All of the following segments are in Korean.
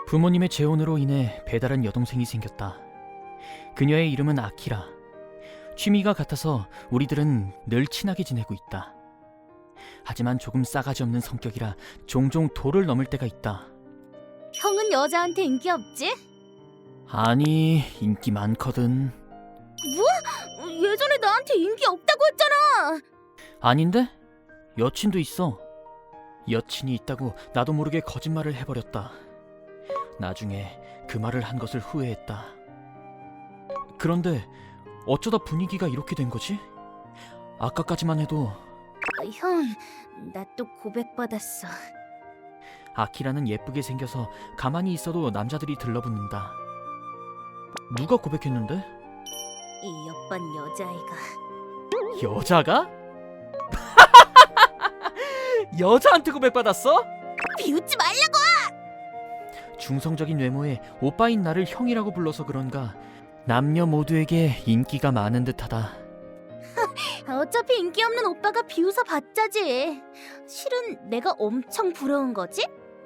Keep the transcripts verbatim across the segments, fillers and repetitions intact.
부모님의 재혼으로 인해 배다른 여동생이 생겼다. 그녀의 이름은 아키라. 취미가 같아서 우리들은 늘 친하게 지내고 있다. 하지만 조금 싸가지 없는 성격이라 종종 도를 넘을 때가 있다. 형은 여자한테 인기 없지? 아니, 인기 많거든. 뭐? 예전에 나한테 인기 없다고 했잖아. 아닌데? 여친도 있어. 여친이 있다고 나도 모르게 거짓말을 해버렸다. 나중에 그 말을 한 것을 후회했다. 그런데 어쩌다 분위기가 이렇게 된 거지? 아까까지만 해도 형, 나 또 고백받았어. 아키라는 예쁘게 생겨서 가만히 있어도 남자들이 들러붙는다. 누가 고백했는데? 이 옆반 여자아이가. 여자가? 여자한테 고백받았어? 비웃지 말라고! 중성적인 외모에 오빠인 나를 형이라고 불러서 그런가 남녀 모두에게 인기가 많은 듯하다. 어차피 인기 없는 오빠가 비웃어 봤자지. 실은 내가 엄청 부러운 거지?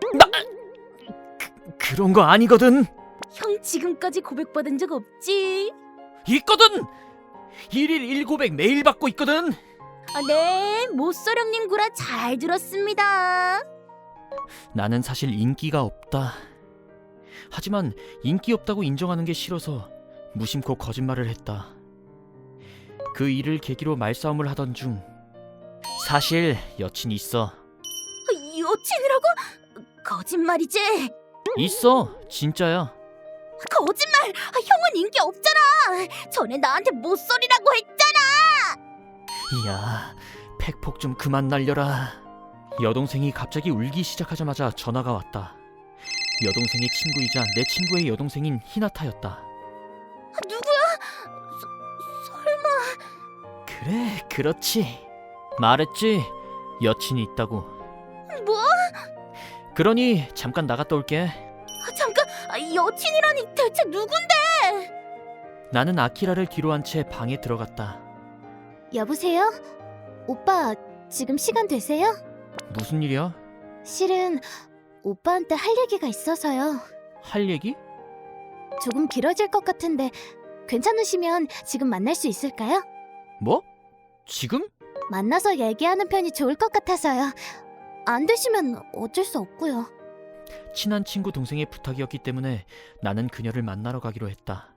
그런 거 아니거든. 형 지금까지 고백받은 적 없지? 있거든. 일일 일고백 매일 받고 있거든. 아, 네, 모쏠형님 구라 잘 들었습니다. 나는 사실 인기가 없다. 하지만 인기 없다고 인정하는 게 싫어서 무심코 거짓말을 했다. 그 일을 계기로 말싸움을 하던 중 사실 여친이 있어. 여친이라고? 거짓말이지? 있어, 진짜야. 거짓말! 아, 형은 인기 없잖아. 전에 나한테 모쏠이라고 했잖아. 이야, 팩폭 좀 그만 날려라. 여동생이 갑자기 울기 시작하자마자 전화가 왔다. 여동생의 친구이자 내 친구의 여동생인 히나타였다. 누구야? 서, 설마... 그래, 그렇지. 말했지, 여친이 있다고. 뭐? 그러니 잠깐 나갔다 올게. 아, 잠깐, 아, 여친이라니 대체 누군데? 나는 아키라를 뒤로 한 채 방에 들어갔다. 여보세요? 오빠 지금 시간 되세요? 무슨 일이야? 실은 오빠한테 할 얘기가 있어서요. 할 얘기? 조금 길어질 것 같은데 괜찮으시면 지금 만날 수 있을까요? 뭐? 지금? 만나서 얘기하는 편이 좋을 것 같아서요. 안 되시면 어쩔 수 없고요. 친한 친구 동생의 부탁이었기 때문에 나는 그녀를 만나러 가기로 했다.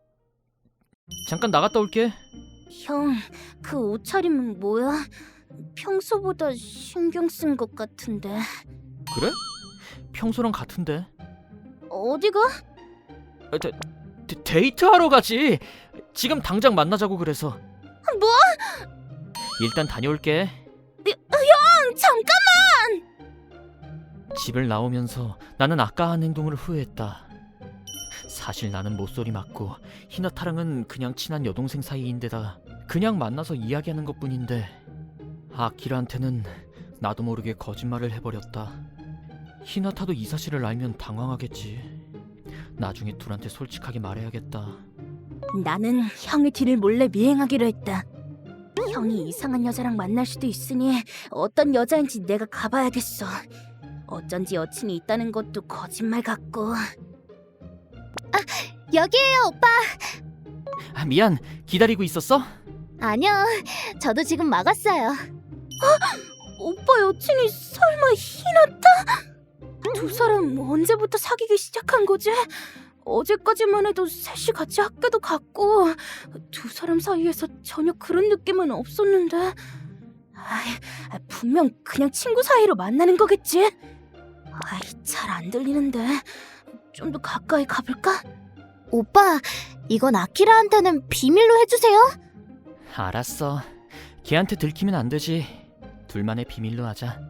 잠깐 나갔다 올게. 형, 그 옷차림은 뭐야? 평소보다 신경 쓴 것 같은데. 그래? 평소랑 같은데. 어디가? 아, 데, 데, 데이트하러 가지. 지금 당장 만나자고 그래서. 뭐? 일단 다녀올게. 형, 잠깐! 집을 나오면서 나는 아까 한 행동을 후회했다. 사실 나는 모쏠이 맞고 히나타랑은 그냥 친한 여동생 사이인데다 그냥 만나서 이야기하는 것뿐인데 아키라한테는 나도 모르게 거짓말을 해버렸다. 히나타도 이 사실을 알면 당황하겠지. 나중에 둘한테 솔직하게 말해야겠다. 나는 형의 뒤를 몰래 미행하기로 했다. 형이 이상한 여자랑 만날 수도 있으니 어떤 여자인지 내가 가봐야겠어. 어쩐지 여친이 있다는 것도 거짓말 같고. 아, 여기에요, 오빠. 아, 미안, 기다리고 있었어? 아니요, 저도 지금 막았어요. 오빠 여친이 설마 히나타? 두 사람 언제부터 사귀기 시작한 거지? 어제까지만 해도 셋이 같이 학교도 갔고 두 사람 사이에서 전혀 그런 느낌은 없었는데. 아이, 분명 그냥 친구 사이로 만나는 거겠지? 아이, 잘 안 들리는데 좀 더 가까이 가볼까? 오빠, 이건 아키라한테는 비밀로 해주세요. 알았어. 걔한테 들키면 안 되지. 둘만의 비밀로 하자.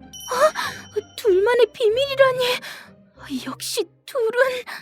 둘만의 비밀이라니. 역시 둘은...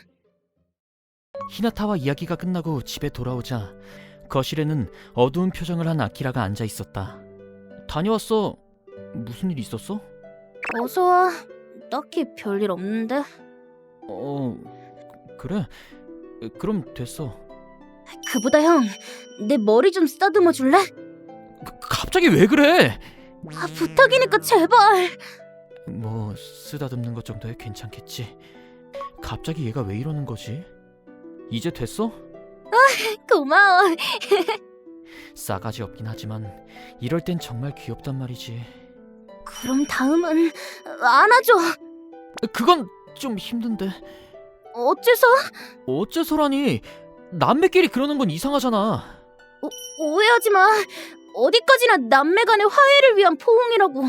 히나타와 이야기가 끝나고 집에 돌아오자 거실에는 어두운 표정을 한 아키라가 앉아 있었다. 다녀왔어. 무슨 일 있었어? 어서 와. 딱히 별일 없는데. 어... 그래? 그럼 됐어. 그보다 형, 내 머리 좀 쓰다듬어 줄래? 그, 갑자기 왜 그래? 아, 부탁이니까 제발. 뭐 쓰다듬는 것 정도야 괜찮겠지. 갑자기 얘가 왜 이러는 거지? 이제 됐어? 고마워. 싸가지 없긴 하지만 이럴 땐 정말 귀엽단 말이지. 그럼 다음은 안아줘. 그건 좀 힘든데. 어째서? 어째서라니? 남매끼리 그러는 건 이상하잖아. 오해하지 마. 어디까지나 남매 간의 화해를 위한 포옹이라고.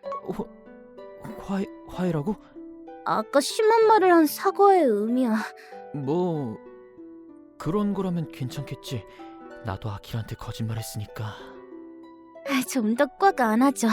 화, 화해라고? 아까 심한 말을 한 사과의 의미야. 뭐 그런 거라면 괜찮겠지. 나도 아키라한테 거짓말했으니까. 좀 더 꽉 안아줘.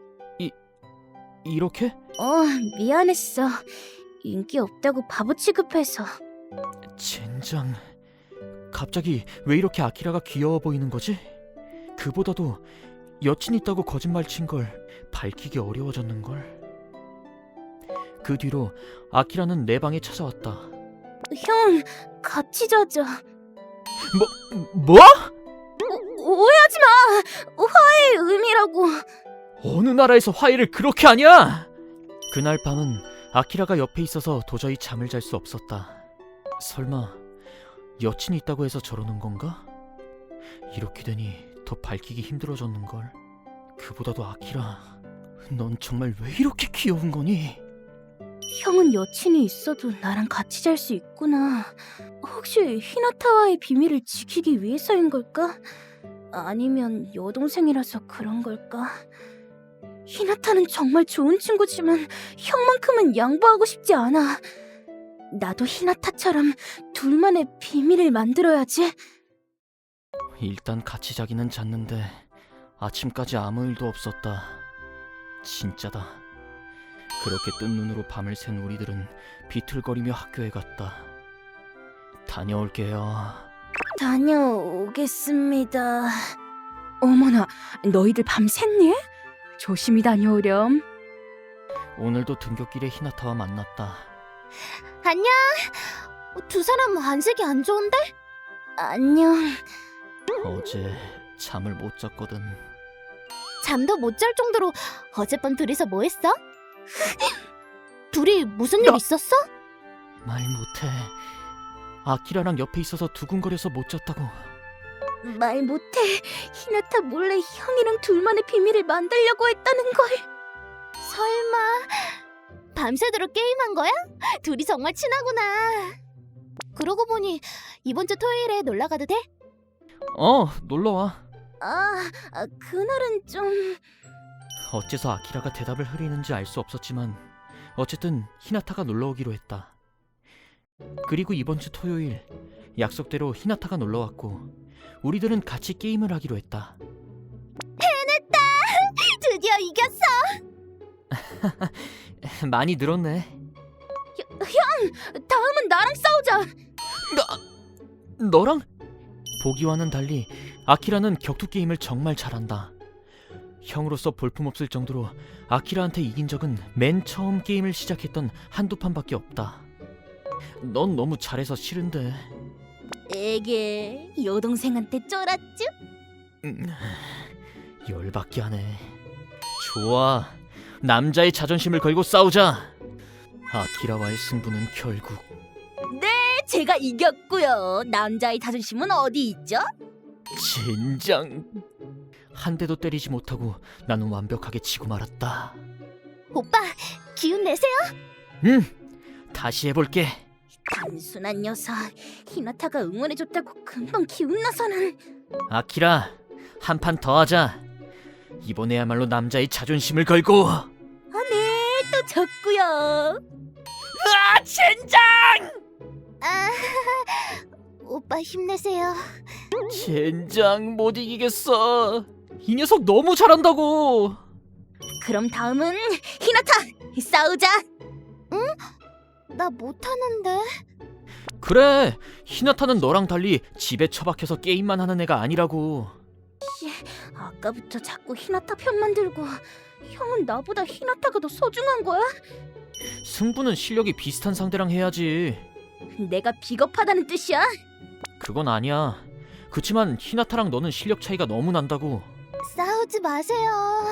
이렇게? 어, 미안했어. 인기 없다고 바보 취급해서. 젠장. 갑자기 왜 이렇게 아키라가 귀여워 보이는 거지? 그보다도 여친 있다고 거짓말 친 걸 밝히기 어려워졌는 걸. 그 뒤로 아키라는 내 방에 찾아왔다. 형, 같이 자자. 뭐? 뭐? 오, 오해하지 마. 화해의 의미라고. 어느 나라에서 화해를 그렇게 하냐? 그날 밤은 아키라가 옆에 있어서 도저히 잠을 잘 수 없었다. 설마 여친이 있다고 해서 저러는 건가? 이렇게 되니 더 밝히기 힘들어졌는걸. 그보다도 아키라, 넌 정말 왜 이렇게 귀여운 거니? 형은 여친이 있어도 나랑 같이 잘 수 있구나. 혹시 히나타와의 비밀을 지키기 위해서인 걸까? 아니면 여동생이라서 그런 걸까? 히나타는 정말 좋은 친구지만 형만큼은 양보하고 싶지 않아. 나도 히나타처럼 둘만의 비밀을 만들어야지. 일단 같이 자기는 잤는데 아침까지 아무 일도 없었다. 진짜다. 그렇게 뜬 눈으로 밤을 샌 우리들은 비틀거리며 학교에 갔다. 다녀올게요. 다녀오겠습니다. 어머나, 너희들 밤 샜니? 조심히 다녀오렴. 오늘도 등굣길에 히나타와 만났다. 안녕. 두 사람 안색이 안 좋은데? 안녕. 어제 잠을 못 잤거든. 잠도 못 잘 정도로 어젯밤 둘이서 뭐 했어? 둘이 무슨 일 나- 있었어? 말 못해. 아키라랑 옆에 있어서 두근거려서 못 잤다고. 말 못해. 히나타 몰래 형이랑 둘만의 비밀을 만들려고 했다는 걸. 설마 밤새도록 게임한 거야? 둘이 정말 친하구나. 그러고 보니 이번 주 토요일에 놀러 가도 돼? 어, 놀러와. 아, 아 그날은 좀... 어째서 아키라가 대답을 흐리는지 알 수 없었지만 어쨌든 히나타가 놀러 오기로 했다. 그리고 이번 주 토요일 약속대로 히나타가 놀러 왔고 우리들은 같이 게임을 하기로 했다. 드디어 이겼어. 많이 늘었네. 다음은 나랑 싸우자. 나 너랑? 보기와는 달리 아키라는 격투 게임을 정말 잘한다. 형으로서 볼품없을 정도로 아키라한테 이긴 적은 맨 처음 게임을 시작했던 한두 판밖에 없다. 넌 너무 잘해서 싫은데. 에게 여동생한테 쫄았쥬? 음, 열받게 하네. 좋아, 남자의 자존심을 걸고 싸우자. 아키라와의 승부는 결국... 네, 제가 이겼고요. 남자의 자존심은 어디 있죠? 젠장. 한 대도 때리지 못하고 나는 완벽하게 지고 말았다. 오빠, 기운 내세요. 응, 다시 해볼게. 단순한 녀석. 히나타가 응원해줬다고 금방 기운 나서는. 아키라, 한 판 더 하자. 이번에야말로 남자의 자존심을 걸고. 아, 네, 또 졌고요. 아, 젠장! 아, 오빠 힘내세요. 젠장, 못 이기겠어. 이 녀석 너무 잘한다고. 그럼 다음은 히나타 싸우자. 응? 나 못하는데. 그래, 히나타는 너랑 달리 집에 처박혀서 게임만 하는 애가 아니라고. 아까부터 자꾸 히나타 편만 들고. 형은 나보다 히나타가 더 소중한 거야? 승부는 실력이 비슷한 상대랑 해야지. 내가 비겁하다는 뜻이야? 그건 아니야. 그치만 히나타랑 너는 실력 차이가 너무 난다고. 싸우지 마세요.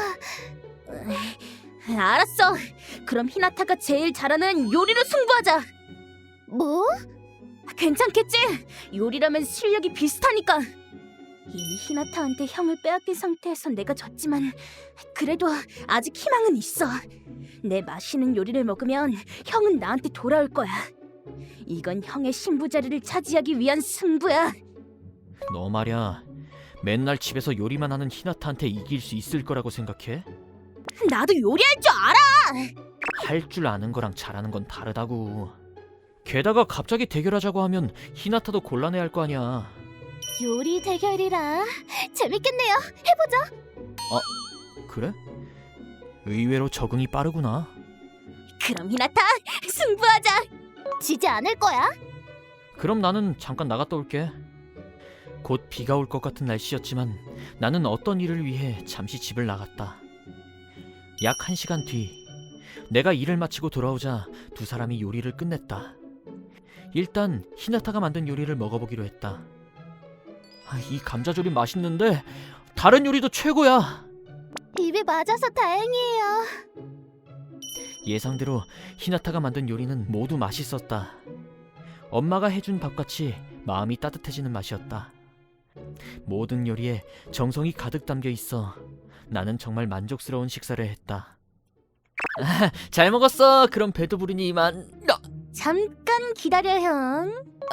알았어. 그럼 히나타가 제일 잘하는 요리로 승부하자. 뭐? 괜찮겠지? 요리라면 실력이 비슷하니까. 이미 히나타한테 형을 빼앗긴 상태에서 내가 졌지만 그래도 아직 희망은 있어. 내 맛있는 요리를 먹으면 형은 나한테 돌아올 거야. 이건 형의 신부 자리를 차지하기 위한 승부야. 너 말야, 맨날 집에서 요리만 하는 히나타한테 이길 수 있을 거라고 생각해? 나도 요리할 줄 알아. 할 줄 아는 거랑 잘하는 건 다르다고. 게다가 갑자기 대결하자고 하면 히나타도 곤란해할 거 아니야. 요리 대결이라 재밌겠네요. 해보자. 그래? 의외로 적응이 빠르구나. 그럼 히나타 승부하자. 지지 않을 거야. 그럼 나는 잠깐 나갔다 올게. 곧 비가 올 것 같은 날씨였지만 나는 어떤 일을 위해 잠시 집을 나갔다. 약 한 시간 뒤, 내가 일을 마치고 돌아오자 두 사람이 요리를 끝냈다. 일단 히나타가 만든 요리를 먹어보기로 했다. 아, 이 감자조림 맛있는데 다른 요리도 최고야. 입에 맞아서 다행이에요. 예상대로 히나타가 만든 요리는 모두 맛있었다. 엄마가 해준 밥같이 마음이 따뜻해지는 맛이었다. 모든 요리에 정성이 가득 담겨 있어 나는 정말 만족스러운 식사를 했다. 아, 잘 먹었어. 그럼 배도 부르니 이만. 아, 잠깐 기다려 형.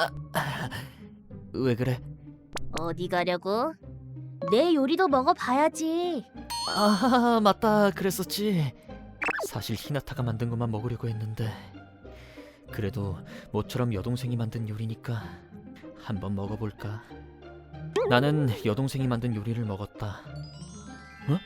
왜 그래? 어디 가려고? 내 요리도 먹어봐야지. 아, 맞다. 그랬었지. 사실 히나타가 만든 것만 먹으려고 했는데 그래도 모처럼 여동생이 만든 요리니까 한번 먹어볼까. 나는 여동생이 만든 요리를 먹었다. 어?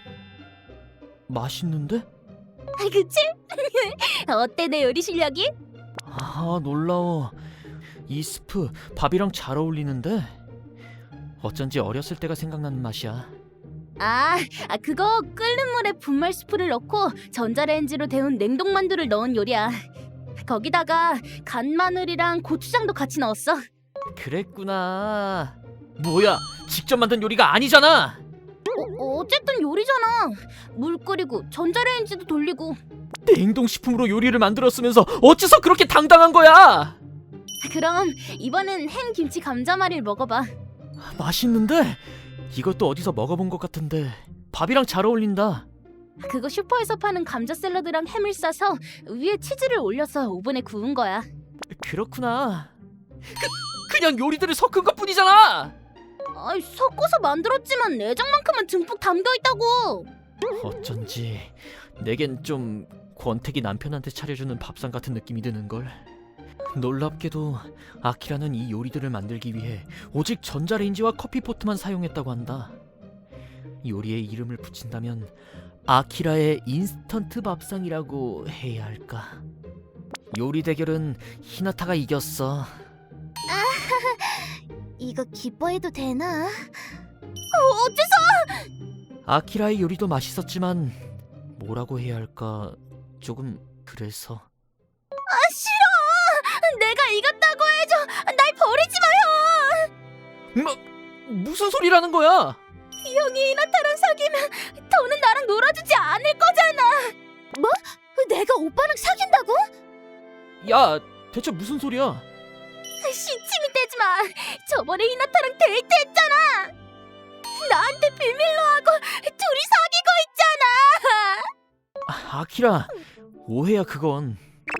맛있는데? 그치? 어때 내 요리 실력이? 아, 놀라워. 이 스프 밥이랑 잘 어울리는데 어쩐지 어렸을 때가 생각나는 맛이야. 아, 아 그거 끓는 물에 분말 스프를 넣고 전자레인지로 데운 냉동 만두를 넣은 요리야. 거기다가 간 마늘이랑 고추장도 같이 넣었어. 그랬구나. 뭐야, 직접 만든 요리가 아니잖아. 어, 어쨌든 요리잖아. 물 끓이고 전자레인지도 돌리고. 냉동식품으로 요리를 만들었으면서 어째서 그렇게 당당한 거야? 그럼 이번엔 햄 김치 감자말이를 먹어봐. 맛있는데? 이것도 어디서 먹어본 것 같은데 밥이랑 잘 어울린다. 그거 슈퍼에서 파는 감자 샐러드랑 햄을 싸서 위에 치즈를 올려서 오븐에 구운 거야. 그렇구나. 그, 그냥 요리들을 섞은 것뿐이잖아. 아이, 섞어서 만들었지만 내장만큼은 듬뿍 담겨있다고. 어쩐지 내겐 좀 권태기 남편한테 차려주는 밥상 같은 느낌이 드는걸. 놀랍게도 아키라는 이 요리들을 만들기 위해 오직 전자레인지와 커피포트만 사용했다고 한다. 요리에 이름을 붙인다면 아키라의 인스턴트 밥상이라고 해야 할까. 요리 대결은 히나타가 이겼어. 이거 기뻐해도 되나? 어, 어째서? 아키라의 요리도 맛있었지만 뭐라고 해야 할까, 조금 그래서. 아, 싫어! 내가 이겼다고 해줘! 날 버리지 마, 형! 뭐, 무슨 소리라는 거야? 형이 이나타랑 사귀면 더는 나랑 놀아주지 않을 거잖아! 뭐? 내가 오빠랑 사귄다고? 야, 대체 무슨 소리야? 시침이 떼지 마! 저번에 이나타랑 데이트했잖아! 나한테 비밀로 하고 둘이 사귀고 있잖아! 아, 아키라, 오해야 그건.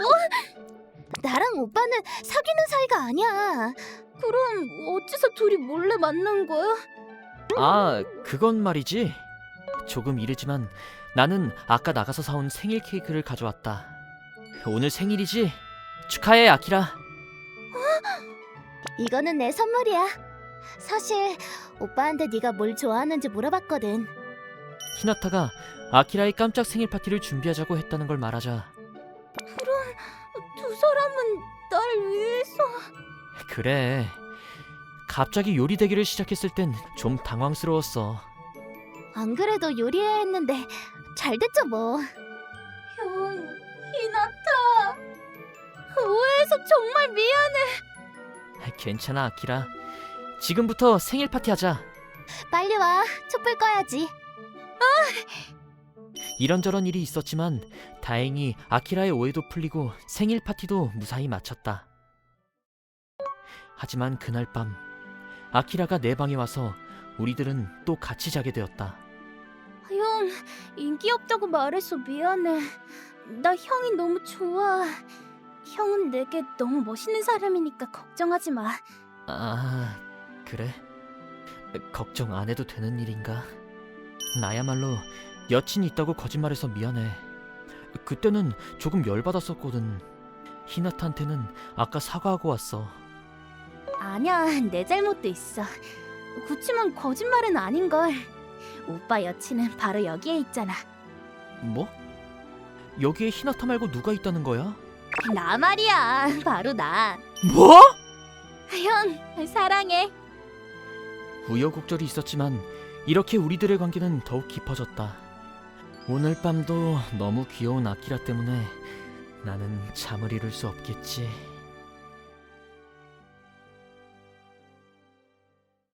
나랑 오빠는 사귀는 사이가 아니야. 그럼 어째서 둘이 몰래 만난 거야? 아, 그건 말이지. 조금 이르지만 나는 아까 나가서 사온 생일 케이크를 가져왔다. 오늘 생일이지? 축하해, 아키라. 이거는 내 선물이야. 사실 오빠한테 네가 뭘 좋아하는지 물어봤거든. 히나타가 아키라의 깜짝 생일 파티를 준비하자고 했다는 걸 말하자. 두 사람은 날 위해서... 그래. 갑자기 요리 대결을 시작했을 땐 좀 당황스러웠어. 안 그래도 요리해야 했는데 잘 됐죠 뭐. 형, 히나타. 오해해서 정말 미안해. 괜찮아, 아키라. 지금부터 생일 파티 하자. 빨리 와. 촛불 꺼야지. 이런저런 일이 있었지만 다행히 아키라의 오해도 풀리고 생일 파티도 무사히 마쳤다. 하지만 그날 밤 아키라가 내 방에 와서 우리들은 또 같이 자게 되었다. 형, 인기 없다고 말해서 미안해. 나 형이 너무 좋아. 형은 내게 너무 멋있는 사람이니까 걱정하지 마. 아, 그래? 걱정 안 해도 되는 일인가? 나야말로 여친이 있다고 거짓말해서 미안해. 그때는 조금 열받았었거든. 히나타한테는 아까 사과하고 왔어. 아니야, 내 잘못도 있어. 그치만 거짓말은 아닌걸. 오빠 여친은 바로 여기에 있잖아. 뭐? 여기에 히나타 말고 누가 있다는 거야? 나 말이야, 바로 나. 뭐? 형, 사랑해. 우여곡절이 있었지만 이렇게 우리들의 관계는 더욱 깊어졌다. 오늘 밤도 너무 귀여운 아키라 때문에 나는 잠을 이룰 수 없겠지.